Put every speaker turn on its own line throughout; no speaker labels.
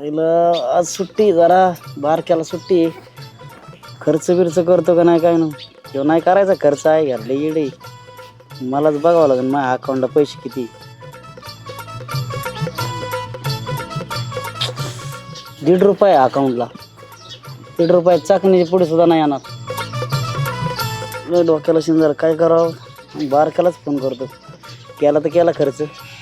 आईला आज सुट्टी जरा बारक्याला सुट्टी खर्च बिर्च करतो का नाही काय ना किंवा नाही करायचा खर्च आहे घरले येडे मलाच बघावं लागेल माझ्या अकाउंटला पैसे किती 1.5 रुपये अकाउंटला 1.5 रुपये चाकणीच्या पुढे सुद्धा नाही येणार डोक्याला शिंदर काय करावं बारक्यालाच फोन करतो केला तर केला खर्च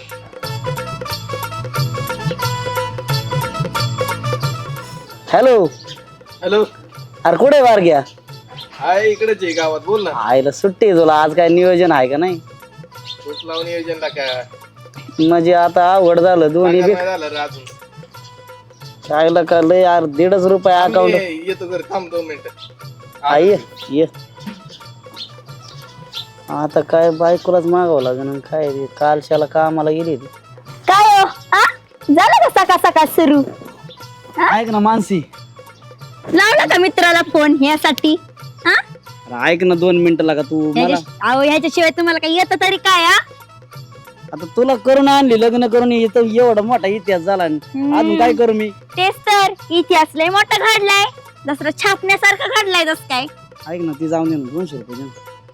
हॅलो
हॅलो
अरे कुठे बार घ्या
हाय इकडेच आहे गावात बोल ना
आईला सुट्टी आहे तुला आज काय नियोजन आहे का नाही
तूच लावून नियोजन टाका
म्हणजे आता आवड झालं दोन्ही बी
नाही झालं रे अजून
आईला का लय यार 1.5 रुपये अकाउंट
येतो घर थांब 2 मिनिटं
आई ये आता काय बायकोलाच मागावं लागेल काय रे कालशाला कामाला गेली ती
काय हो आ? झालं का सकाळ सकाळ सुरू
ऐक ना मानसी
लावला का मित्राला फोन यासाठी हा
अरे ऐक ना 2 मिनिटं लागा तू मला
अहो ह्याच्याशिवाय तुम्हाला काही येतं तरी काय हा?
आता तुला करून आणली लग्न करून इथं एवढा मोठा इतिहास झाला अजून काय करू मी
तेच तर इतिहास लय मोठा घडलाय दसरा छापण्यासारखा घडलाय जस काय
ऐक ना ती जाऊन दे ना 200 रुपये दे ना.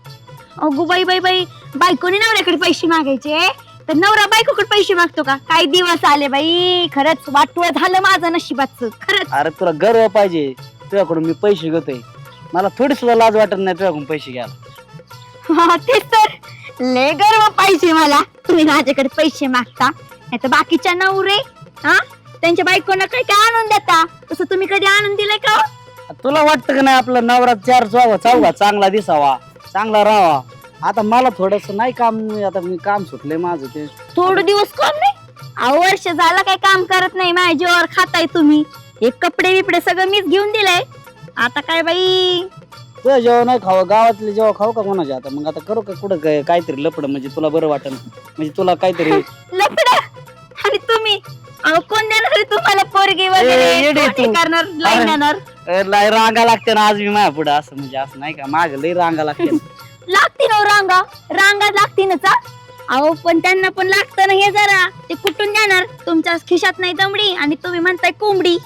अगो बाई बाई बाई बायकोने नवऱ्याकडे पैसे मागायचे तर नवरा बायकोकडे पैसे मागतो का काही दिवस आले बाई खरंच वाटवं झालं माझं नशिबाचं खरंच
अरे तुला गर्व पाहिजे तुझ्याकडून मी पैसे घेतोय मला थोडी सुद्धा लाज वाटत नाही तुझ्याकडून पैसे घ्यायला
हा, तेच तर लय गर्व पाहिजे मला तुम्ही माझ्याकडे पैसे मागता नाही तर बाकीच्या नवरे हा त्यांच्या बायकोंना काही काय आणून देता तसं तुम्ही कधी आणून दिलंय का हो?
तुला वाटतं का नाही आपला नवरा 4 चौघा चांगला दिसावा चांगला राहावा आता मला थोडस नाही काम आता मी काम सुटलंय माझं ते
थोडं दिवस कोण नाही अहो वर्ष झाला काय काम करत नाही माझ्या जीवावर खाताय तुम्ही हे कपडे बिपडे सगळं मीच घेऊन दिलंय आता काय बाई
तुझ्या जेव्हा नाही खावं गावातले जेव्हा खाऊ का कोणाच्या आता मग आता करू का कुठं काहीतरी लपड म्हणजे तुला बरं वाटेल म्हणजे तुला काहीतरी
लपड आणि तुम्ही अहो कोण देणार आहे तुम्हाला पोरगी
येडे
वगैरे
तू.
कोणी करणार लाईन येणार
लय रांगा लागते ना आज मी माझ्या पुढे असं म्हणजे असं नाही का माग लय रांगा लागते
लागतील हो रांगा रांगा लागतीलच हा. अहो पण त्यांना पण लागतं ना हे जरा ते कुठून देणार तुमच्या खिशात नाही दमडी आणि तुम्ही म्हणताय कोंबडी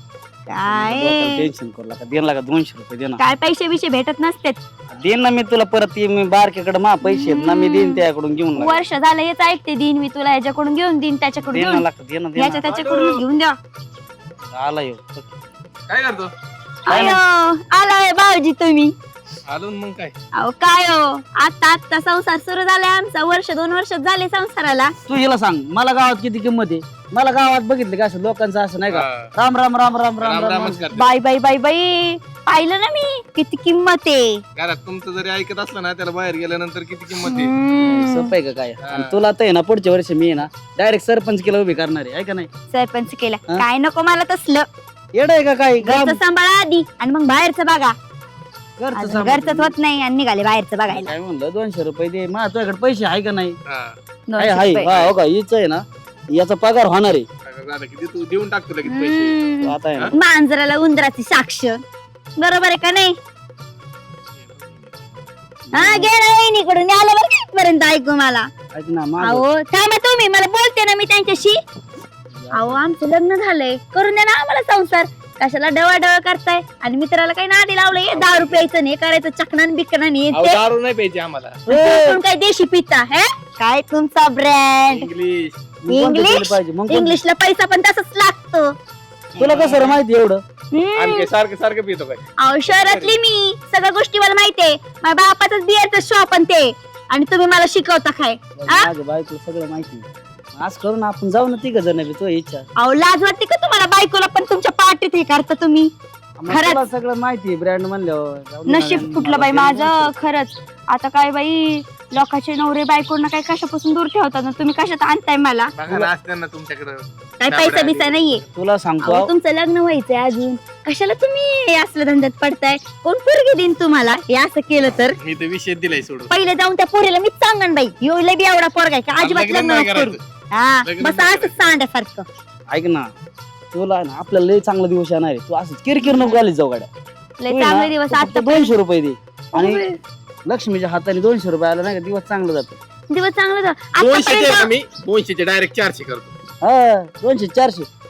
काय
टेन्शन करू लागा देण लागा 200 रुपये दे ना
काय पैसे बिशे भेटत नसते
देईन ना मी तुला परत मी बारकेकडे मा पैसे आहेत ना मी देईन त्याकडून घेऊन लागा.
वर्ष झालं हेच ऐकते दिन मी तुला याच्याकडून घेऊन देईन त्याच्याकडून
दे ना
घेऊन
लागतं दे ना दे
याच्या त्याच्याकडून घेऊन द्या
ना आला येऊ
काय करतो
अयो आलाय भाऊजी तुम्ही
आलो ना मग काय
अहो काय हो आता संसार सुरू झालाय आमचा 1-2 वर्ष झाले संसाराला
तू हिला सांग मला गावात किती किंमत आहे मला गावात बघितलं का असं लोकांचं असं नाही का
हा.
राम राम राम राम राम राम
रामच करते
बाई बाई बाई बाई पाहिलं ना मी किती किंमत आहे
घरात तुमचं जरी ऐकत असलं ना त्याला बाहेर गेल्यानंतर किती किंमत आहे
हम्म.
सोपं आहे का काय
हा.
आणि तुला तर आहे ना पुढच्या वर्षी मी आहे ना डायरेक्ट सरपंच केला उभी करणार आहे का नाही
सरपंच केला
हा?
काय नको मला तसलं
येड आहे का काय
घरचं सांभाळा आधी आणि मग बाहेरचं बघा
घरचं
अजून
सांभाळ.
घरचंच होत नाही आणि निघाले बाहेरचं बघायला
काय म्हणलं 200 रुपये दे मा तुझ्याकडे पैसे आहे का नाही
हा.
आहे
200
आहे
रुपये.
हा, हो का हीच आहे ना याचा पगार होणार आहे
अगं झालं की तू देऊन टाकतो लगेच पैसे
हम्म.
तो आता आहे ना
मांजराला उंदराची साक्ष बरोबर आहे का नाही हा गेला वहिनीकडून आलं बरं का इथपर्यंत ऐकू मला
ऐक ना माझं
अहो थांबा तुम्ही मला बोलते ना मी त्यांच्याशी अहो आमचं लग्न झालंय करून द्या ना आम्हाला संसार कशाला डवळ करताय आणि मित्राला काही नादी लावलंय 10 रुपयाचं नाही करायचं चकनान बिकनान
अहो,
येते
दारू नाही प्यायची आम्हाला
काय देशी पिता हे काय तुमचा ब्रँड
इंग्लिश
मी कोणतं
इंग्लिश?
केलं पाहिजे मग कोणतं?
इंग्लिशला पैसा पण तसंच लागतो
तुला कसं रे माहिती एवढं
आणि काय सारखं सारखं पितो काय
अहो शहरातली मी सगळ्या गोष्टी मला माहितीये माझ्या बापाचाच बिअरचं शॉप आणि ते आणि तुम्ही मला शिकवता काय हा?
माझ्या बायकोला सगळं माहिती आज करून आपण जाऊ ना तिघ जण बी, तुझी इच्छा
अहो लाज वाटते का तुम्हाला बायकोला पण तुमच्या पार्टीत हे करता तुम्ही
मग
खरंच.
तुला सगळं माहिती ब्रँड म्हणल्यावर जाऊ दे ना,
नशीब
मला
फुटलं बाई
दे ना
माझं खरंच आता काय बाई लोकांचे नवरे बायकोंना काय कशापासून दूर ठेवतात ना तुम्ही कशात आणताय मला
बघा ना असतं ना तुमच्याकडं
काय पैसा बिसा नाहीये
तुला सांगतो
अहो, तुमचं लग्न व्हायचंय अजून कशाला तुम्ही हे असलं धंद्यात पडताय कोण पोरगी देईन तुम्हाला हे असं केलं तर
मी तर विषय दिलाय सोडून
पहिले जाऊन त्या पोरीला मीच सांगन बाई यो लय बी एवढा पोरगा आहे का अजिबात
लग्न
लग्न
नाही
नको करू
करायचं.
हा
लग्न
बस
नाही
असंच सांड्यासारखं
ऐक ना तुला ना आपल्याला लय चांगला दिवस येणार आहे तू असंच किरकिर नको घालीत जाऊ गाड्या
लय
तू आहे
चांगले
ना,
दिवस
तू फक्त
आता
200 रुपये दे आणि लक्ष्मीच्या हाताने 200 रुपये आला नाही का दिवस चांगला जातो
दिवस चांगलं
200
आतापर्यंत
मी 200 डायरेक्ट 400 करतो
हा 200 400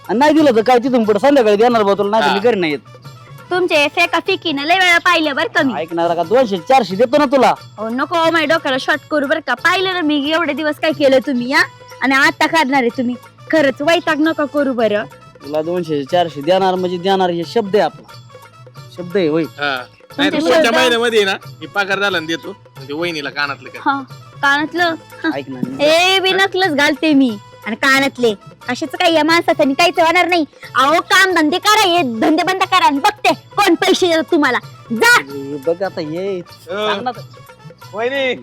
आणि नाही दिलं तर काय तिथून पुढे संध्याकाळी देणार बा तुला, नाही घरी नाही येत.
तुमचे फेका फिकीनं लय वेळा पाहिलं बरं का मी.
ऐकणार का 200-400 देतो ना तुला.
हो नको माझ्या डोक्याला शॉर्ट करू बरं का. पाहिलं ना मी एवढे दिवस काय केलं तुम्ही हा, आणि आता काढणार आहे तुम्ही. खरंच वैताग नका करू बरं.
तुला 200-400 देणार म्हणजे देणार, हे शब्द आहे आपला, शब्द आहे होय.
नाही तर पुढच्या महिन्यामध्ये ना मी पगार झाला देतो म्हणजे वहिनीला कानातलं काय.
हा कानातलं
ऐकणार
हे बिनकलच घालते मी, आणि कानातले कशाच काही या माणसाचं काहीच होणार नाही. अहो काम धंदे करा, हे धंदे बंद करा, आणि बघते कोण पैसे देतात तुम्हाला. जा
बघ आता हे सांग ना तर.
वहिनी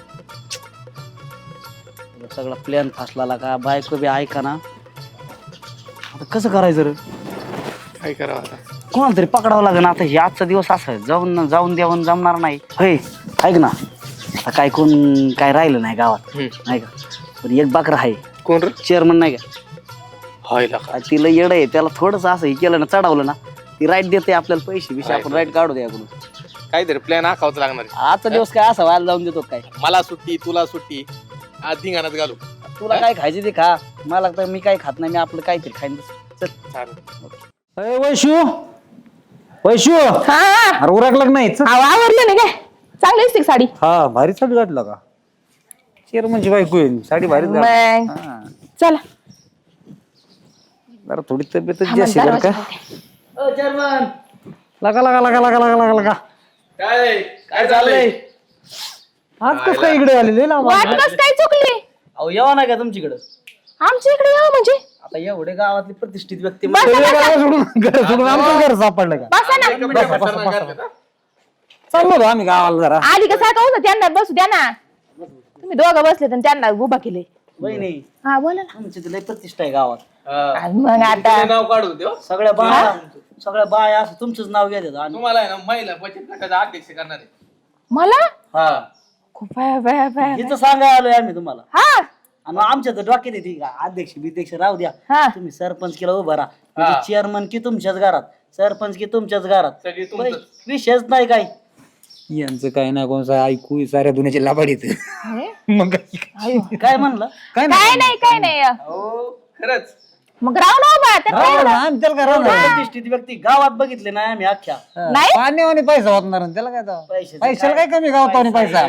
सगळा प्लॅन फासला का, बायको बी ऐका ना. आता कसं करायचं रे,
काय करावं आता.
कोणाला तरी पकडावं लागेल आता. हे आजचा दिवस असा आहे, जाऊन द्यावून जमणार नाही. होय ऐक ना, आता काय कोण काय राहिलं नाही गावात नाही का, पण एक बाकर आहे.
कोण रे.
चेअरमन नाही का,
व्हायला का.
तिला येड आहे, त्याला थोडस असं हे केलं ना, चढवलं ना, ती राईट देते आपल्याला पैसे बिशे, आपण राईट काढू द्या याकडून.
काहीतरी प्लॅन आखावच लागणार आहे.
आजचा दिवस काय असा व्हायला जाऊन देतो काय.
मला सुट्टी तुला सुट्टी, आज धिंगाणात घालू.
तुला काय खायचे ते खा, मला तर मी काय खात नाही, मी आपलं काहीतरी खाईन. चल
चालेल.
वैशू अरे उरकलं नाही.
आवडलं नाही काय चांगली दिसते का साडी.
हा भारी साडी घातला का, चेअरमनची बायको आहे, साडी भारी
मग चला
जरा थोडी तब्येतच जास्त बरं का.
चेअरमन
लगा लगा लगा लगा लगा लगा लगा.
काय काय चाललंय.
आज कसं काय इकडे आलेले ना.
वाट कस काय चुकली.
अहो यावं नाही का तुमच्याकडं.
आमच्या इकडे यावं म्हणजे
आता एवढे गावातली प्रतिष्ठित व्यक्ती
घर सोडून आमचं घर सापडलं का.
बसा ना.
चाललो होतो आम्ही गावाला जरा.
आली का सारखं होतं त्यांना बसू द्या ना. तुम्ही दोघं बसले तर त्यांना उभा केले.
बहिणी
हा बोला ना.
तुमची लय प्रतिष्ठा आहे गावात.
आणि मग आता
नाव काढू देव.
सगळ्या बाया असं तुमचंच नाव घेतात. आणि
तुम्हाला आहे ना महिला बचत गटाचा अध्यक्ष करणार आहे.
मला
हा
खूप बाया, बाया, बाया.
हिचं सांगायला आलोय आम्ही तुम्हाला.
हा
आणि आमच्या तर डोक्यात येते का अध्यक्ष बिध्यक्ष राहू द्या,
हा.
तुम्ही सरपंच केला उभा राहा. चेअरमन की तुमच्याच घरात, सरपंच की तुमच्याच घरात,
सगळी तुमचं.
विषयच नाही काय.
यांचं काय ना कोणचं ऐकू साऱ्या दुनियाचे लाभाड येत. मग
काय म्हणलं.
काय
काय नाही
हो खरंच.
मग राहू ना उभा त्यात काय झालं?
प्रतिष्ठित व्यक्ती गावात बघितले नाही आम्ही अख्ख्या.
नाही
पाण्यावानी पैसा होणार ना त्याला काय तेव्हा?
पैशाचं
पैशाला काय कमी गावतावानी पैसा.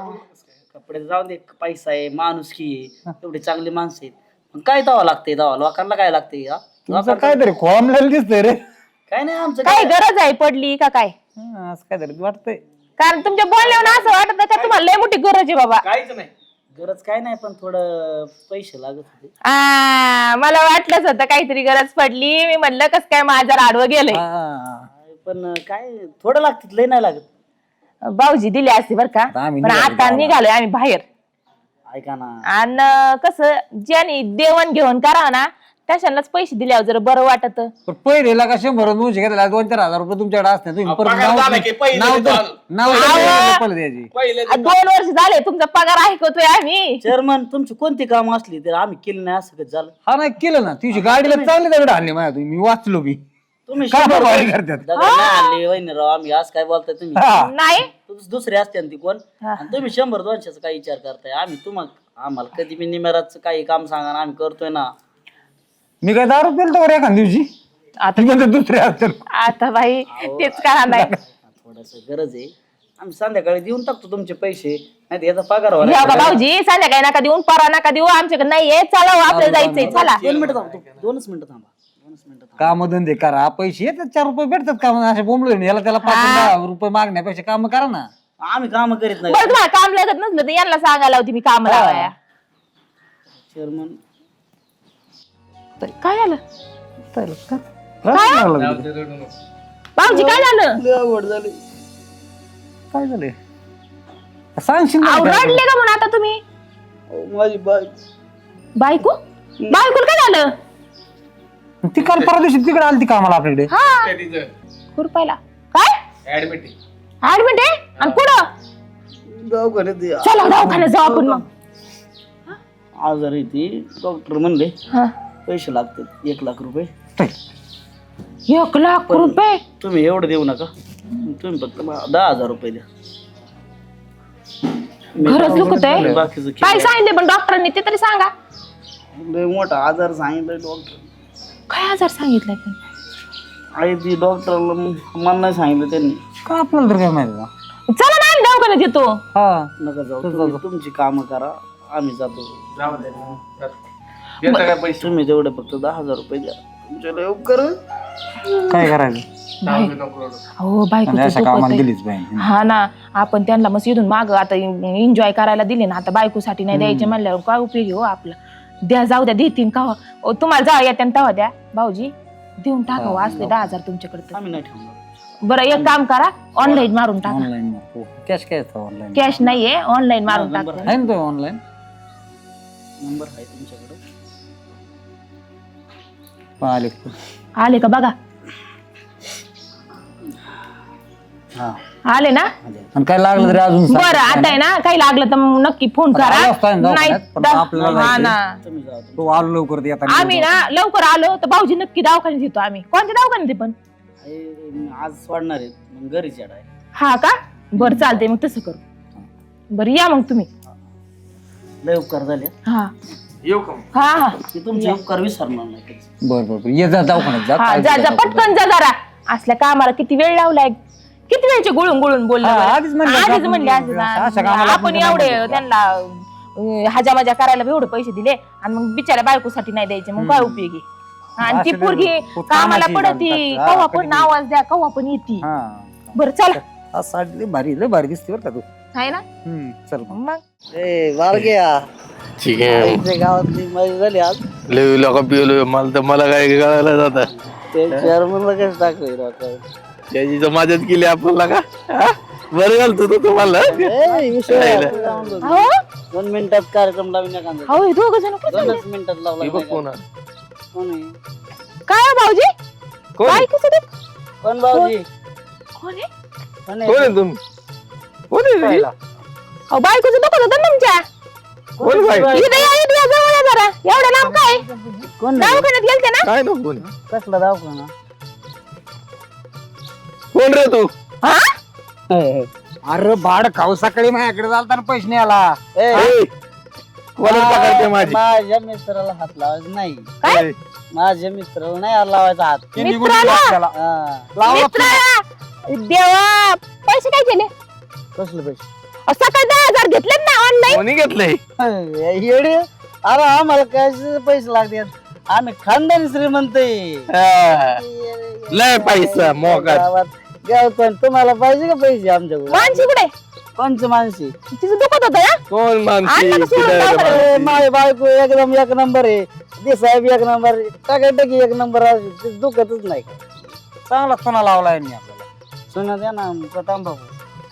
कपडे जाऊन दे, पैसा आहे, माणुसकी आहे, एवढी चांगली माणसं आहेत. मग काय दावा लागते, दावा लोकांना काय लागते.
तुमचं काहीतरी खोमलेलं दिसतंय रे.
काय नाही आमचं
काय गरज आहे पडली का काय.
असं काहीतरी वाटतंय.
कारण तुमच्या बोलण्यावर असं वाटत का तुम्हाला लय मोठी गरज आहे बाबा.
काहीच नाही.
गरज काय नाही, पण थोडं पैसे लागत होते.
मला वाटलंच होतं काहीतरी गरज पडली. मी म्हणलं कस काय माझ्या आडवं गेलंय.
पण काय थोडं लागतात, लय नाही लागत.
भाऊजी दिले असते बर का,
आम्ही
पण आता निघालोय आम्ही बाहेर.
ऐका ना,
आणि कसं ज्याने देवण घेऊन करावं ना त्याच्यालाच पैसे दिल्यावर जरा बरं वाटत.
पण पहिले का 100-200 घेतला 2-4 हजार रुपये तुमच्याकडे असते. तुम्ही परत
पगार झाला की पहिले
नाव द्यायची.
पहिले
2 वर्ष झाले तुमचा पगार ऐकतोय आम्ही.
चेअरमन तुमची कोणती काम असली तर आम्ही केली नाही असं कसं झालं.
हा नाही केलं ना तुझी गाडीला चांगली दगड आणले माझ्या. तुम्ही मी वाचलो मी
तुम्ही
का
100
बरं करतात.
दगड नाही आणले वहिनीराव, आम्ही आज काय बोलताय तुम्ही.
नाही
दुसरे असते ना ती कोण, आणि तुम्ही 100-200 काय विचार करताय. आम्ही तुम्हाला आम्हाला कधी बी निमेराचं काही काम सांगा ना, आम्ही करतोय ना.
मी काय दारू पेलतो का एखाद दिवशी. आता म्हणतो दुसरे असतात.
आता बाई तेच करा नाही.
थोडस गरज आहे, आम्ही संध्याकाळी देऊन टाकतो तुमचे पैसे, नाही तर याचा पगार व्हायला.
या बा भाऊजी संध्याकाळी नका देऊन परा नका देऊ आमच्याकडे नाहीये. चला आपल्याला जायचंय चला.
2 मिनिटं थांबा, 2च मिनिटं थांबा, 2च मिनिटं थांबा.
काम धंदे करा, पैसे येतात 4 रुपये भेटतात का. असे बोंबलो याला त्याला 5-10 रुपये मागण्यापेक्षा काम करा ना.
आम्ही काम करीत नाही.
बरं तुम्हाला काम लागत नसलं तर यांना सांगायला होती मी काम लावाया.
चेअरमन
काय झालं
काय
भाऊजी काय झालं.
आवड झाली.
झालंय सांगशील ना
अहो,
काय?
रडले का म्हणून आता तुम्ही.
माझी
बायको काय झालं.
ती काल परवा दिवशी तिकडे आली ती कामाला आपल्याकडे.
हा खुरपायला काय
ऍडमिट
ऍडमिट आहे आणि कुठं.
दवाखान्यात
चला दवाखान्यात जाऊ आपण मग.
आजारी ती, डॉक्टर म्हणले
हा.
पैसे लागतात 1 लाख रुपये.
1 लाख रुपये
तुम्ही एवढं देऊ नका, तुम्ही फक्त 10,000 रुपये द्या.
खरंच दुखत आहे.
बाकीचं
काय सांगितले पण डॉक्टरांनी ते तरी सांगा.
लय मोठा आजार सांगितलं डॉक्टर.
काय आजार सांगितलाय पण
आई ती डॉक्टरला मला नाही सांगितलं त्यांनी.
का आपल्याला तर काय माहिती का?
चला ना आम्ही दवाखान्यात येतो.
हा
नका जाऊ, तुम्ही तुमची कामं करा, आम्ही जातो.
जाऊ दे. देता काय पैसे?
तुम्ही जेवढे फक्त 10,000 रुपये द्या, तुमच्याला उपकार होईल.
काय करायचं
हो बायको
अशा कामाला गेलीच पाहिजे.
हा ना, आपण त्यांना मग इथून माग आता एन्जॉय करायला दिले ना, आता बायकोसाठी नाही द्यायचे म्हणल्यावर काय उपयोग आहे हो आपला. द्या, जाऊ द्या, देतील का तुम्हाला जाऊ येत्या तेव्हा द्या भाऊजी, देऊन टाकावं असले 10,000 तुमच्याकडे.
आम्ही नाही ठेवणार.
बरं एक काम करा, ऑनलाईन मारून टाका.
ऑनलाईन कॅश काय ऑनलाईन
कॅश नाहीये, ऑनलाईन मारून
नंबर
टाका.
आहे ना तो ऑनलाईन
नंबर आहे तुमच्याकडे?
आले
आले का बघा.
हा
आले ना.
आणि काय लागलं तरी अजून सांग.
बरं आता आहे ना, काही लागलं तर मग नक्की फोन
आता
करा.
आलो असतो आम्ही
नाही
दवाखान्यात, पण आपल्याला
हा
जायचंय.
ना,
तुम्ही जाऊ.
तो आलो लवकर ते आता
आम्ही ना लवकर आलो तर भाऊजी नक्की दवाखान्यात येतो. आम्ही कोणत्या दवाखान्यात आहे पण?
आज सोडणार आहेत, मग घरी चढाय.
हा का, बरं चालतंय मग तसं करू. बरं या मग तुम्ही.
लय उपकार झाले.
हा
येऊ का मग?
हा हा
की तुमचे उपकार विसरणार नाही कधीच.
बरं ये जा दवाखान्यात जा.
हा
काय
जा जा
दवाखान्यात.
पटकन जा जरा. असल्या कामाला किती वेळ लावलाय, किती वेळचे गुळून गुळून बोलले
हा,
बरं.
आधीच म्हणले
आधीच
आपण
म्हणले असं ना.
अशा कामाला
आपण
आपण
एवढे
नाही
त्यांना हजा मजा करायला एवढे पैसे दिले आणि मग बिचाऱ्या बायकोसाठी नाही द्यायचे, मग काय उपयोगी. आणि ती
असं
पोरगी
नाही,
कामाला
कामाची
पडती,
हा,
कव्हा
कधी
पण आवाज द्या, कव्हा पण येते.
हा
बरं चला.
हा, साडी लय भारी दिसते बरं का तू.
आहे ना
चल मग.
मग.
ए बारग्या,
ठीक आहे.
आमच्या गावातली मजा झाली आज.
लय लोक पिलो मला तर मला काय कळायला जात.
ते चेअरमनला कसं टाकलं
त्याची तर मदत केली आपल्याला का हा? बरं घालतो तो तुम्हाला.
हो
2 मिनिटात कार्यक्रम लावून नका.
हो हे दोघं जण कुठे
2च मिनिटात लावला.
हे बघ कोण आहे?
कोण आहे?
काय हो भाऊजी,
कोण आहे?
बायकोचं दुःख?
कोण भाऊजी?
कोण आहे?
कोण
कोण
आहे?
आहे तुम्ही? कोण आहे ती?
अहो बायकोचं दुखत होतं ना तुमच्या.
कोण बाई?
इथं या, इथं या, जवळ या जरा. एवढं लांब काय
कोण आहे?
दवाखान्यात गेलते ना.
काय ना कोण आहे?
कसला दवाखाना?
कोण रे तू?
हा
अरे भाड खाऊ सकाळी माझ्याकडे चालताना पैसे नाही आला.
ए,
ए, कोणाला पकडते माझी?
माझ्या मित्राला हात लावायचा नाही.
काय?
ए,
माझ्या मित्राला नाही हात लावायचा हात.
ते निघून
मित्राला?
गेला त्याला.
हा.
लावला
मित्राला देवा पैसे काय केले?
कसले पैसे?
अहो, सकाळी 10,000 घेतलेत ना ऑनलाईन.
कोणी घेतलंय?
येडे, अरे आम्हाला काय पैसे लागतात, आम्ही खानदानी श्रीमंत आहे.
हा. लय पैसा मोका.
गावात पण तुम्हाला पाहिजे का पैसे आमच्याकडे?
मानसी कुठे?
कोणची माणसी?
तिचं दुखत होतं ना.
कोण मानसी?
आणलं का सोडून
कुठं आहे रे
दवाखान्यात?
मानसी?
माझी बायको एकदम एक नंबर आहे, ते साहेब एक नंबर, टाकाटकी एक नंबर, दुखतच नाही.
चांगला सोना लावला यांनी आपल्याला.
सुना द्या ना प्रताप भाऊ.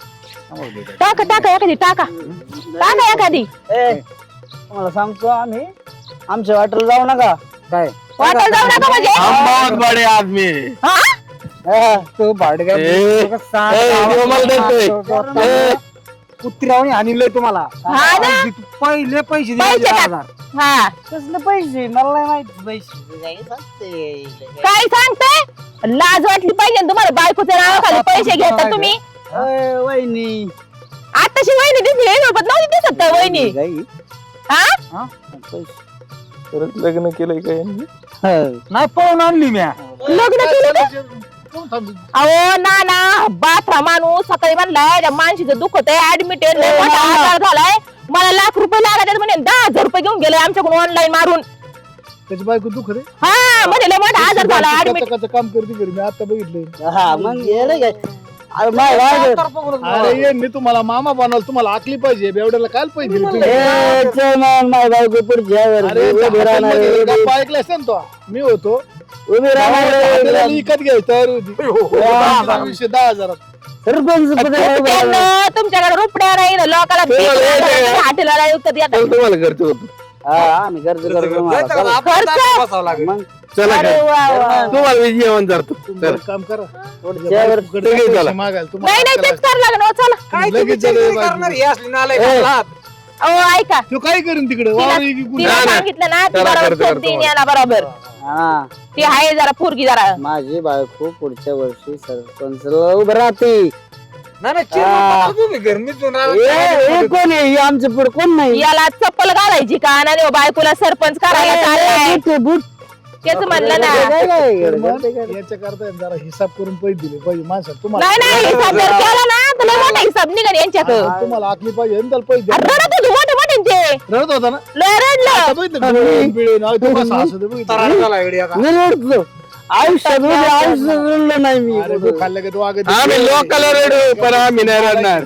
टाका टाका एखादी टाका टाका एखादी.
ए तुम्हाला सांगतो, आम्ही आमच्या वाटेला जाऊ नका.
काय
वाटायला जाऊ नका म्हणजे.
हम बहुत बड़े आदमी.
हा?
हा.
तो भाडगा
ए, देव मला देतोय.
कुत्र्यावणी आणलंय तुम्हाला.
हा ना?
पहिले पैसे दिले
पैसे टाक.
10,000.
हा
कसले पैसे? मला नाही माहिती पैसे काय सांगते.
काय सांगते? लाज वाटली पाहिजे ना तुम्हाला, बायकोच्या नावाखाली पैसे घेता तुम्ही.
अय, वहिनी
आताशी वहिनी दिसली, सोबत नव्हती दिसत का वहिनी?
गाई.
हा
हा? पैसे.
परत लग्न केलंय का यांनी?
हा.
नाही पळून आणली म्या.
लग्न केलं का? अहो ना ना, बाथरा माणूस सकाळी म्हणलाय त्या माणशीचं दुखत आहे, ऍडमिट आहे, लय मोठा आजार झालाय, मला लाख रुपये लागत म्हणे, 10,000 रुपये घेऊन गेले आमच्याकडून ऑनलाईन मारून.
त्याची बायको दुखत आहे.
हा म्हणे लय मोठा आजार झाला, ऍडमिट.
कचं काम करते घरी, मी आता बघितलंय.
हा मग येडे काय? अरे माय वाजत.
अरे ये मी तुम्हाला मामा बनवलं, तुम्हाला आखली पाहिजे. एवढ्याला काय पैसे दिले तुम्ही?
ए, चेअरमन, माय बायको पुढची आहे वर.
अरे
उभी राहणार आहे.
गप्पा ऐकला असेल तो. मी होतो
उभी राहणार आहे.
आपल्याला विकत घ्यायची तयारी होती. 10,000
सरपंच पद आहे बा.
त्यांना तुमच्याकडे रुपड्या नाही ना, लोकाला हाटेला विकत येतात.
तुम्हाला घरचं होतं.
हा, आम्ही खर्च करतो तुम्हाला.
जायचं का?
चला.
आपण ताटात बसावं लागेल.
मग
चला
अरे
घरी.
वा वा.
तुम्हाला मी जेवण करतो.
तुम्ही
चला.
एक काम करा,
पुढच्या वर-
बायकोकडे
तुम्ही
पैसे
चला.
मागायला
नाही
तुम्हाला
नाही तेच करावं लागेल हो, चला.
काय
लगेच
तुम्ही
झालं
चेक
बायको.
करणार? हे असली नालायक असलात.
अहो ऐका,
तो काय करीन तिकडे?
तिला
वावर इकी कुठे?
तिला
नाही, नाही.
सांगितलं ना, ती
करा,
बरोबर
करतो,
शोध
करतो.
देईन याला बरोबर.
हा,
ती आहे जरा पोरगी जरा.
माझी बायको पुढच्या वर्षी सरपंचला उभं राहते.
नाही नाही, चेक
हा.
करतो तुम्ही घर. मी तो नालायक
हे कोण आहे? हे आमच्या पुढे कोण नाही.
याला चप्पल घालायची का? नाही हो, बायकोला सरपंच करायला चाललाय.
बूट आहे, बूट.
तेच म्हणलं ना.
काय काय
तर मग
करते काय?
याच्या करता जरा हिसाब करून पैसे दिले पाहिजे माणसाला. तुम्हाला
नाही हिसाब जर केला ना तर लय मोठा हिसाब निघाल यांच्यात.
तुम्हाला आखली पाहिजे आणि त्याला पैसे
अरे
द्या.
रडत होते मोठे मोठे ते.
रडत होता ना
लय रडलं.
आता बघितलं डोळे बिळे नाही तो कसा हसत आहे बघितलं.
मी रडतो आयुष्यात रडलं नाही मी.
अरे तू खाल्लं का तू आगे
आम्ही लोकाला रडू पण आम्ही नाही रडणार.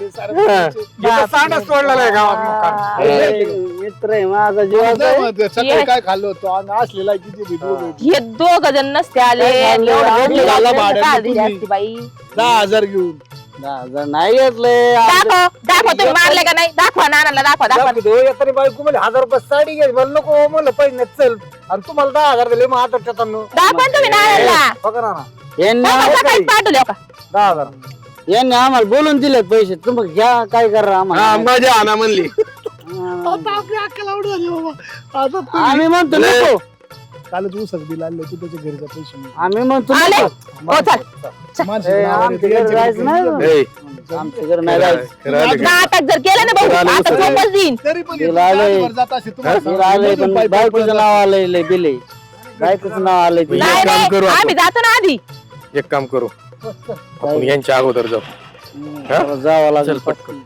मित्र आहे माझा जीवाचा आहे.
सकाळी काय खाल्लं होतं आणि असलेला किती भेटू
हे दोघ जण नसते आले आणि एवढं रडले
झालं
गावाला
भाड्याने
का दिली
तुम्ही.
असती बाई.
10,000 घेऊन
10,000 नाही घेतलंय.
दाखव तुम्ही मारले का नाही दाखवा नानाला दाखवा
तरी बायको मला 1,000 रुपये साडी घ्यायची मला नको म्हणलं पैसे चल आणि तुम्हाला 10,000 दिले मग आता
दाखवा तुम्ही नानाला.
बघा ना
यांनी
सकाळी पाठवले का
10,000
यांनी आम्हाला बोलून दिले पैसे तुम्ही घ्या काय करा आम्हाला.
मजा आणा म्हणली.
आता आपली अक्कल आवड झाली बाबा. आता तू
आम्ही म्हणतो नको.
कालच ऊसात बिल आणलं तू त्याच्या घरीचा पैसे मिळाले.
आम्ही म्हणतो
आले
नको.
हो चल
माणसं
ए,
नावावर
आमच्या
येते,
घरी जायचं नाही
यांच्या
बा.
ए,
आमच्या घरी नाही जायचं.
खरं आलं का?
नाटक जर केलं ना भाऊ आता झोपच देईन.
तरी पण
बिल आलंय.
वर जात असेल तुम्हाला
बिल आलंय पण बायकोचं नाव आलंय लय बिल आहे. बायकोचं नाव आलंय ते.
नाही
काम करू
नाही
आपण.
आम्ही जातो ना आधी.
एक काम करू आपण यांच्या अगोदर जाऊ.
जरा जावं लागेल पटकन.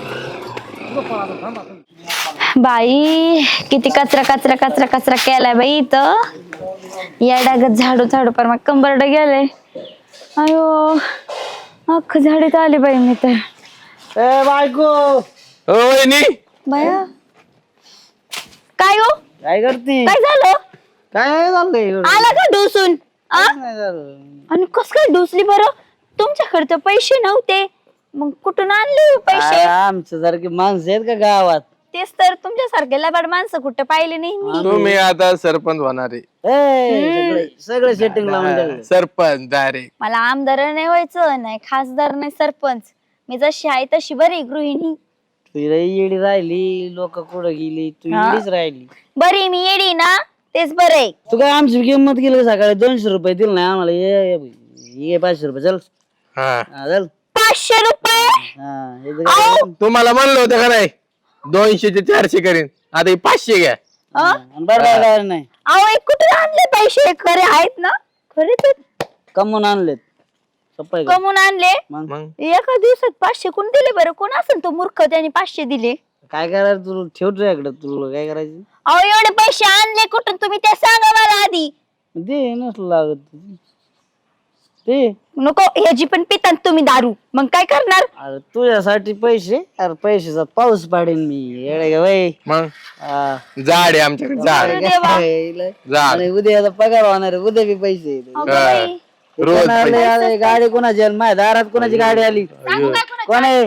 बाई किती कचरा कचरा कचरा कचरा केलाय बाई इथं. या डागत झाडू झाडू पर मग कंबरड गेले. अयो अख्खं झाडीत आले बाई मी तर.
ए बायको
ओ वहिनी
बाया काय हो
काय करती?
काय झालं
काय नाही झालंय एवढं.
आला का डोसून आ?
नाही झालं.
आणि कस काय डोसली बरं तुमच्याकडे तर पैसे नव्हते मग कुठून आणले हो पैसे?
आमच्या सारखी माणसं आहेत का गावात?
तेच तर तुमच्यासारखे लबाड माणसं कुठं पाहिले नाही मी.
तुम्ही आता सरपंच होणार आहे.
सगळे सेटिंग लावून द्यायला.
सरपंच डायरेक्ट.
मला आमदार नाही व्हायचं नाही खासदार नाही सरपंच. मी जशी आहे तशी बरी गृहिणी.
तू येडी राहिली लोक कुठं गेली तू
हा?
येडीच राहिली.
बरी मी येडी ना तेच बरं आहे.
तू काय आमची किंमत केली का सकाळी 200 रुपये दिले नाही आम्हाला. ये 500 रुपये चल.
हा
हा, चल
500 रुपये
हा, हे तर काय?
तुम्हाला म्हणलं होतं का नाही 200 ते 400 करीन आता हे 500 घ्या.
आणि बरं नाही
अहो एक कुठे आणले पैसे? खरे आहेत ना? खरे तर
कमवून आणलेत. सप्पाय का?
कमवून आणले.
मग
मग
एका दिवसात 500 कोण दिले बरं? कोण असेल तो मूर्ख त्याने 500 दिले?
काय करायचं तुला ठेव तुझ्याकडे तुला काय करायचं
अहो एवढे पैसे आणले कुठून तुम्ही ते सांगा मला आधी.
दे नसलं लागत ते.
नको ह्याची पण पितात तुम्ही दारू मग काय करणार?
अरे तुझ्यासाठी पैसे अरे पैशाचा पाऊस पाडेन मी येडे का बाई.
मग
हा.
झाड आहे आमच्याकडे झाड.
अरे देवा.
झाड
आणि उद्या आता पगार होणार आहे, उद्या बी पैसे येतील.
अगं बाई.
रोज
कोण आले, आले, गाडी कोणाची आली? माझ्या दारात कोणाची गाडी आली? कोण आहे?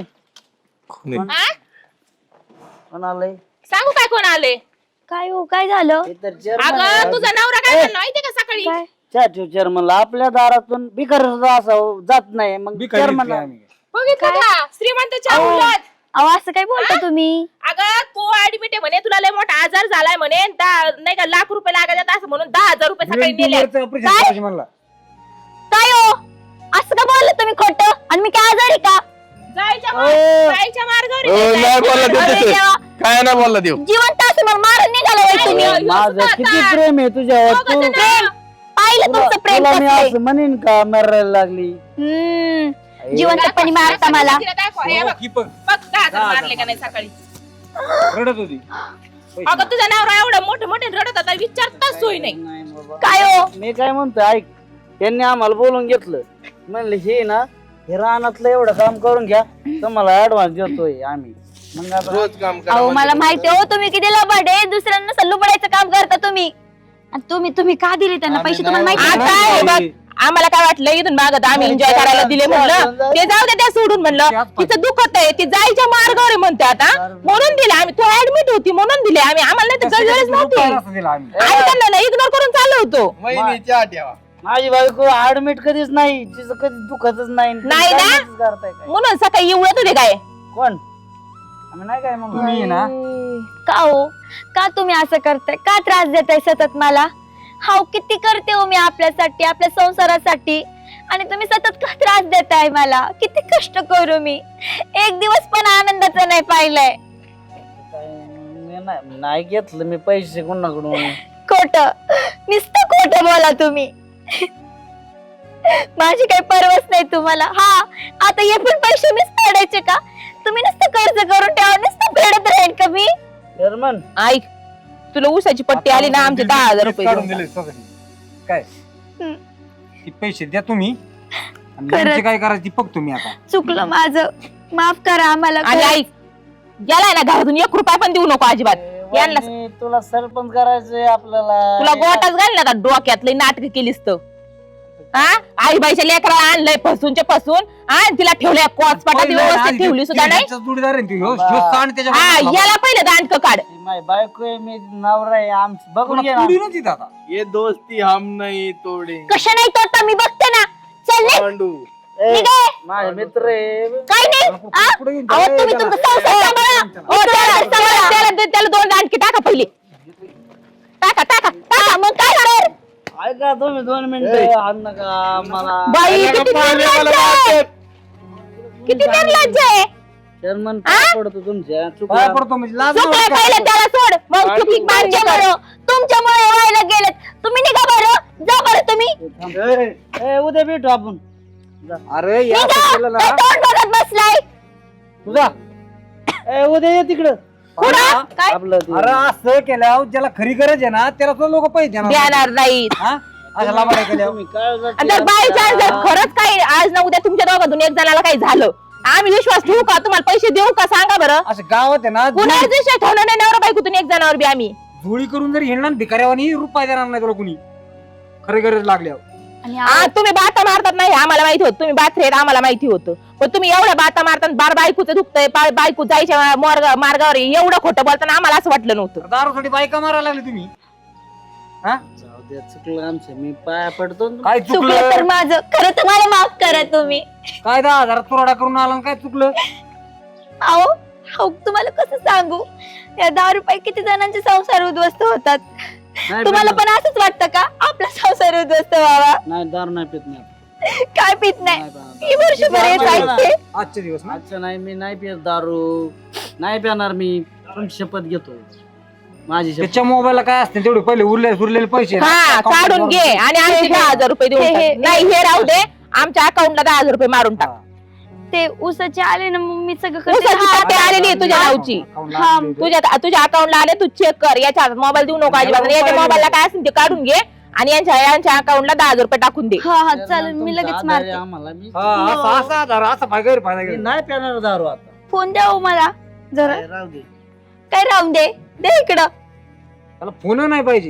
कोण आलंय?
सांगू काय कोण आले?
काय हो काय झालं?
हे तर chairman
अगं
आहे.
तुझा नवरा काय म्हणला माहितीये का सकाळी?
काय?
चहा ठेव चेअरमनला. आपल्या दारातून बिकर असं जात नाही मग चेअरमन
बघितलं का श्रीमंतच्या उलट.
अहो असं काय बोलता तुम्ही?
अगं तू ऍडमिट आहे म्हणे तुला लय मोठा आजार झालाय म्हणे नाही का लाख रुपये लागत असं म्हणून 10,000 रुपये सकाळी नेले.
म्हणला
काय हो असं का बोललं तुम्ही खोटं? आणि मी काय आजारी का?
जायच्या मार्गावर
ओ,
आहे.
नाही बोलला देऊ
अरे
तसं.
देवा.
काय नाही बोलला देऊ.
जिवंत असं मला मारून निघाला होय तुम्ही.
माझं किती प्रेम आहे तुझ्यावर. तू
प्रेम पाहिलं तुमचं प्रेम
तुला मी
कसलंय.
असं म्हणेन का मरायला लागली.
जिवंतपणी मारता मला.
तिला दाखव, हे बघ. बघ 10,000 मारले का नाही सकाळी.
रडत होती.
अगं तुझा नवरा एवढं मोठे मोठे रडत होता विचारताच सोय नाही.
नाही बाबा.
काय हो?
मी काय म्हणतो ऐक त्यांनी आम्हाला बोलून घेतलं म्हणले हे ना हे रानातलं एवढं काम करून घ्या तुम्हाला ऍडव्हान्स देतोय आम्ही. मग आता
रोज काम करा
अहो
म्हणजे
मला माहिती हो तुम्ही किती लबाड आहे. दुसऱ्यांना सल्लूबडायचं काम करता तुम्ही. आणि तुम्ही का दिले त्यांना पैसे तुम्हाला माहिती आहे
आता
का?
हे बघ आम्हाला काय वाटलं इथून मागत आम्ही एन्जॉय करायला दिले म्हणलं ते जाऊ दे त्या सोडून म्हणलं तिचं दुखत आहे ती जायच्या मार्गावर आहे म्हणते आता म्हणून दिले आम्ही. तू ऍडमिट होती म्हणून दिले आम्ही. आम्हाला नाही तर गरज नव्हती. आम्ही त्यांना इग्नोर करून चाललो होतो.
वहिनीच्या ठेवा.
माझी बायको ऍडमिट कधीच नाही तिचं कधी दुखतच नाही.
नाही ना?
काहीच करताय काय?
म्हणून सकाळी उळत होते काय.
कोण आम्ही नाही काय म्हणून
तुम्ही ना
का हो का तुम्ही असं करताय? का त्रास देताय सतत मला? हाव किती करते हो मी आपल्यासाठी आपल्या संसारासाठी आणि तुम्ही सतत का त्रास देताय मला? किती कष्ट करू मी. एक दिवस पण आनंदाचा नाही पाहिलाय.
नाही घेतलं मी पैसे कोणाकडून.
खोट नुसतं खोट बोला तुम्ही. माझी काही परवाच नाही तुम्हाला. हा आता हे पण पैसे मीच फेडायचे का? तुम्ही नुसतं कर्ज करून ठेवा, नुसतं फेडत राहील का मी?
चेअरमन
ऐक, तुला ऊसाची पट्टी आली ना, आमचे 10,000 रुपये
काढून
देऊन
दिले स्वतःची. काय
हम्म.
ती पैसे द्या तुम्ही आणि
खरंच.
यांची काय करायची बघ तुम्ही आता.
चुकलं माझं, माफ करा आम्हाला.
आणि
खरंच.
ऐक, याला ना घरातून 1 रुपया पण देऊ नको अजिबात. यांना
वहिनी, तुला सरपंच करायचंय आपल्याला.
तुला गोटाच घाल ना डोक्यात लई नाटक केलीस तर. हा आईबाईच्या लेकराला आणलंय फसूनचे फसून, हा तिला ठेवलंय कोचपाटात व्यवस्थित ठेवली सुद्धा नाही.
त्यांचा जोडीदार आहे ना ती. ह्यो सांड त्याच्या
हा याला पहिलं दांडक काढ.
ती माझी बायको आहे, मी नवरा आहे, आमचं बघून घे ना.
पुढे नव्हती आता.
ये दोस्ती हम नहीं तोडे
कशा नाही तो आता मी बघते ना. चल निघ.
पांडू.
ए,
निघे.
माझे मित्र आहे.
काय नाही आ?
पुढे घेऊन
अहो
जा,
तुम्ही
त्याला.
तुमचं संसार सांभाळा.
ओ, त्याला 2 दांडके टाका पहिले. टाका टाका टाका. मग काय करणार?
ऐका तुम्ही 2 मिनिटं आण नका मला.
बाई किती निर्लज्ज आहे. किती निर्लज्ज आहे.
चेअरमन काय पडतो तुमच्या
पाया
चुकलं.
पडतो म्हणजे लाज
चुकलंय
नाही
पहिलं
वाटत.
त्याला सोड, मग चुकी मान्य कर.
तुमच्यामुळे व्हायला गेलेत. तुम्ही निघा बरं, जा बरं तुम्ही.
ए, उद्या भेटू आपण.
अरे या
निघा.
असं केलं ना.
काय तोंड बघत बसलाय?
तुझा
ए, उद्या ये तिकडं.
कुठं? काय?
आपलं ते-
अरे असं केल्यावर ज्याला खरी गरज आहे ना त्याला तो लोक पैसे देणार.
देणार नाहीत.
हा अशा लाभाला केल्यावर
तुम्ही काळजात
आणि जर बाय चान्स जर खरंच काही आज ना उद्या तुमच्या दोघातून एक जणाला काही झालं, आम्ही विश्वास ठेवू का? तुम्हाला पैसे देऊ का? सांगा बरं.
असं गावात आहे ना
कुणाला विश्वास ठेवणार नाही नवरा बायकोतून एक जणावर बी आम्ही.
धुळी करून जर हिंडणार भिकाऱ्यावानी रुपये देणार नाही तुला कुणी खरी गरज लागल्यावर.
आणि
तुम्ही बाता मारतात नाही आम्हाला माहिती होत, तुम्ही बात रेत आम्हाला माहिती होतं, पण तुम्ही एवढ्या बाता मारतात बार बायकोचं दुखतंय, बायको जायच्या मार्गावर एवढं खोटं बोलताना आम्हाला असं वाटलं नव्हतं.
दारूसाठी बायका मारायला लागली तुम्ही. हा
जाऊ द्या, चुकलं आमचं. मी पाया पडतो ना.
काय
चुकलं तर
चुकलं?
माझं. खरं तर मला माफ करा तुम्ही.
काय 10,000 तुराडा करून आला आणि काय चुकलं?
अहो अहो, तुम्हाला कसं सांगू, या 10 रुपये किती जणांचे संसार उद्ध्वस्त होतात.
नाही
तुम्हाला
पित
पण असंच वाटतं का आपला संसार उद्ध्वस्त व्हावा?
नाही, दारू नाही पित नाही.
काय पित नाही?
नाही पिणार.
ही वर्षभर येत जायचे.
आजचे दिवस ना.
अच्छा नाही, मी नाही पित दारू. नाही पिणार मी. तुमची शपथ घेतो. माझी शपथ.
त्याच्या मोबाईलला काय असते तेवढे पहिले उरलेले पैसे ना,
हा
account
काढून
वर-
घे आणि आमचे 10,000 रुपये देऊन
हे-
टाक. नाही हे राहू दे, आमच्या अकाउंटला 10,000 रुपये मारून टाक.
हा.
ते उसाचे आले ना, मग मी सगळं करते.
उसाची
हा,
पाटी आलेली आहे तुझ्या नावची.
account ला
हा,
आपले इथे.
तुझ्या अकाउंटला आले, तू चेक कर. याच्या हातात मोबाईल देऊ नको अजिबात. आणि याच्या मोबाईलला काय असेल ते काढून घे आणि यांच्या अकाउंटला 10,000 रुपये टाकून दे.
हा हा चालेल, मी
तुमचा
लगेच
आधार
मारते.
आहे आम्हाला. मी
हा, असा आधार असा फायदा
मी नाही पिणार दारू आता.
फोन द्या हो मला जरा.
काय राहू दे.
काय राहून दे, दे इकडं.
त्याला फोन नाही पाहिजे.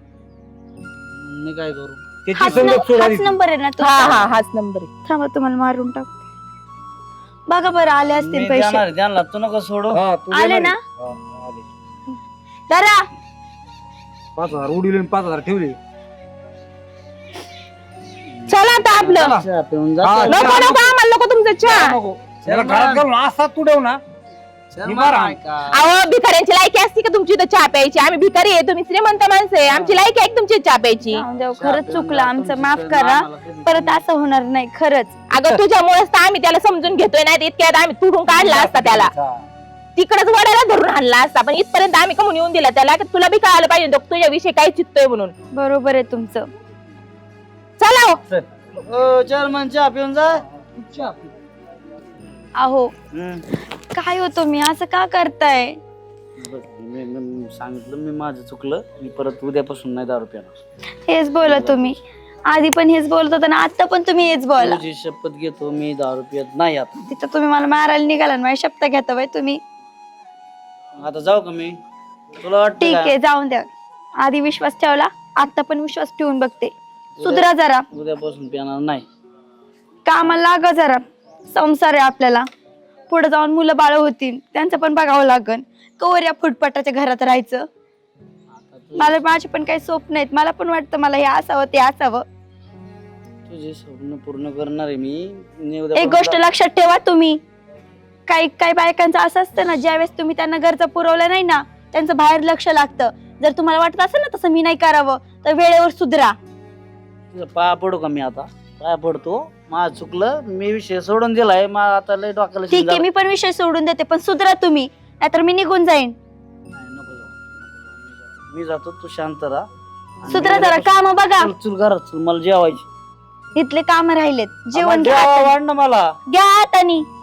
मी काय करू.
त्याची
हाच
संगत सोडा
हाच नंबर आहे ना तो?
हा हा हाच नंबर आहे.
थांबा तुम्हाला मारून टाक. बघा बरं आले असतील
मी
पैसे.
जाणार आहे, त्यांना तू नको सोडू.
आले ना? दादा
5,000 उडीले 5,000 ठेवले.
चला आता आपलं.
चहा पिऊन
हा,
जातो.
नको नको आम्हाला नको तुमचं चहा.
नको. त्याला घरात घालून असा तुडव ना.
चहा
निवारा.
मार ऐका.
अहो भिकाऱ्यांची लायकी असते का तुमची इथं चहा प्यायची? आम्ही भिकारी आहे, तुम्ही श्रीमंत माणसं आहे. आमची लायकी आहे का तुमची चहा प्यायची?
जाऊन द्या,
चहा
खरंच
पिऊन
चुकलं
जा.
आमचं,
तुमची
माफ
सवय
करा.
आम्हाला कधी
परत असं होणार नाही खरंच.
अगं तुझ्यामुळेच तर आम्ही त्याला समजून घेतोय, नाही इतक्यात आम्ही तुडून काढला असता त्याला, तिकडच वड्याला धरून आणला असता. पण इथपर्यंत आम्ही कमून येऊन दिला त्याला, की तुला बी कळायला पाहिजे तो तुझ्याविषयी काय चित्तोय म्हणून.
बरोबर आहे तुमचं.
चला हो.
ओ, चेअरमन चहा पिऊन जा.
अहो
हम्म.
काय होतो मी असं का करताय?
बघ, मी सांगितलं मी माझं चुकलं. मी परत उद्यापासून नाही दारू पिणार.
हेच बोला तुम्ही. आधी पण हेच बोलत होता ना, आता पण तुम्ही हेच बोला.
तुझी शपथ घेतो, मी दारू पित नाही आता.
तिथं तुम्ही मला मारायला निघाला ना, माझी शब्द घेता बाई तुम्ही.
आता जाऊ का मी? तुला वाटतं
ठीक
का?
आहे जाऊन द्या. आधी विश्वास ठेवला, आता पण विश्वास ठेवून बघते. सुधरा जरा,
उद्यापासून पिणार नाही.
कामाला लागा जरा. संसार आहे आपल्याला, पुढे जाऊन मुलं बाळ होतील, त्यांचं पण बघावं लागन. कवर या फुटपाटाच्या घरात राहायचं. मला माझे पण काही स्वप्न आहेत. मला पण वाटतं मला हे असावं ते असावं.
तुझे स्वप्न पूर्ण करणार आहे मी.
एक गोष्ट लक्षात ठेवा तुम्ही, काही काही बायकांचं असं असतं ना, ज्यावेळेस तुम्ही त्यांना गरजा पुरवल्या नाही ना, त्यांचं बाहेर लक्ष लागतं. जर तुम्हाला वाटत असेल ना तसं मी नाही करावं, तर वेळेवर सुधरा.
तुझं पाया पडू का मी आता? पाया पडतो. माझं चुकलं, मी विषय सोडून दिलाय. मग आता लय डोक्याला
ठीक आहे, मी पण विषय सोडून देते, पण सुधरा तुम्ही, नाहीतर मी निघून जाईन.
नाही, नको जाऊ. मी जातो, तू शांत राहा.
सुधरा जरा काम बघा.
चल चल घरात चल, मला जेवायची
इथले काम राहिलेत. जेवण घ्या
जेवा
हाताने.
वाढ ना मला.
घ्या हाताने.